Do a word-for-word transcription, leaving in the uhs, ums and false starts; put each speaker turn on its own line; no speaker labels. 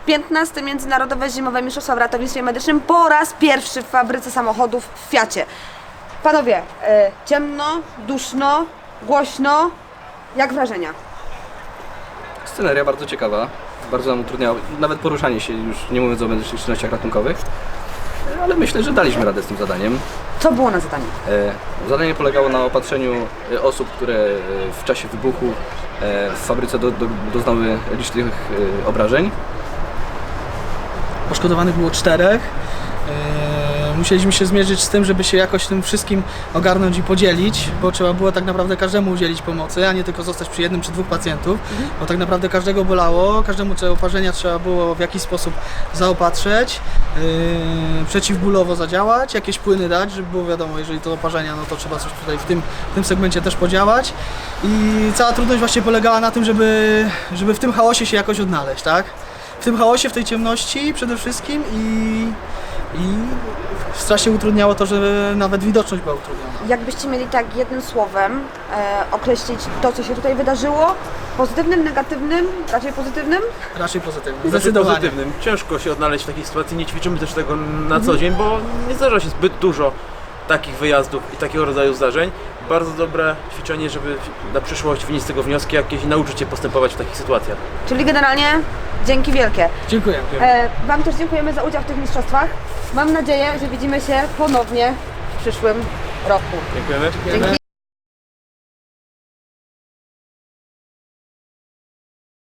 piętnaste Międzynarodowe Zimowe Mistrzostwa w Ratownictwie Medycznym po raz pierwszy w fabryce samochodów w Fiacie. Panowie, e, ciemno, duszno, głośno. Jak wrażenia?
Sceneria bardzo ciekawa, bardzo nam utrudniała, nawet poruszanie się, już nie mówiąc o medycznych czynnościach ratunkowych. Ale myślę, że daliśmy radę z tym zadaniem.
Co było na zadaniu?
E, zadanie polegało na opatrzeniu e, osób, które e, w czasie wybuchu e, w fabryce do, do, doznały licznych e, obrażeń.
Poszkodowanych było czterech. Eee, musieliśmy się zmierzyć z tym, żeby się jakoś tym wszystkim ogarnąć i podzielić, bo trzeba było tak naprawdę każdemu udzielić pomocy, a nie tylko zostać przy jednym czy dwóch pacjentów, mhm. bo tak naprawdę każdego bolało, każdemu te oparzenia trzeba było w jakiś sposób zaopatrzyć, eee, przeciwbólowo zadziałać, jakieś płyny dać, żeby było wiadomo, jeżeli to oparzenia, no to trzeba coś tutaj w tym, w tym segmencie też podziałać i cała trudność właśnie polegała na tym, żeby, żeby w tym chaosie się jakoś odnaleźć, tak? W tym chaosie, w tej ciemności przede wszystkim i, i strasznie utrudniało to, że nawet widoczność była utrudniona.
Jakbyście mieli tak jednym słowem e, określić to, co się tutaj wydarzyło, pozytywnym, negatywnym, raczej pozytywnym?
Raczej pozytywnie,
Znaczy
zdecydowanie.
pozytywnym. Ciężko się odnaleźć w takiej sytuacji, nie ćwiczymy też tego na co dzień, bo nie zdarza się zbyt dużo takich wyjazdów i takiego rodzaju zdarzeń. Bardzo dobre ćwiczenie, żeby na przyszłość wynieść z tego wnioski jakieś i nauczyć się postępować w takich sytuacjach.
Czyli generalnie dzięki wielkie.
Dziękuję.
E, Wam też dziękujemy za udział w tych mistrzostwach. Mam nadzieję, że widzimy się ponownie w przyszłym roku.
Dziękujemy.
Dzięki.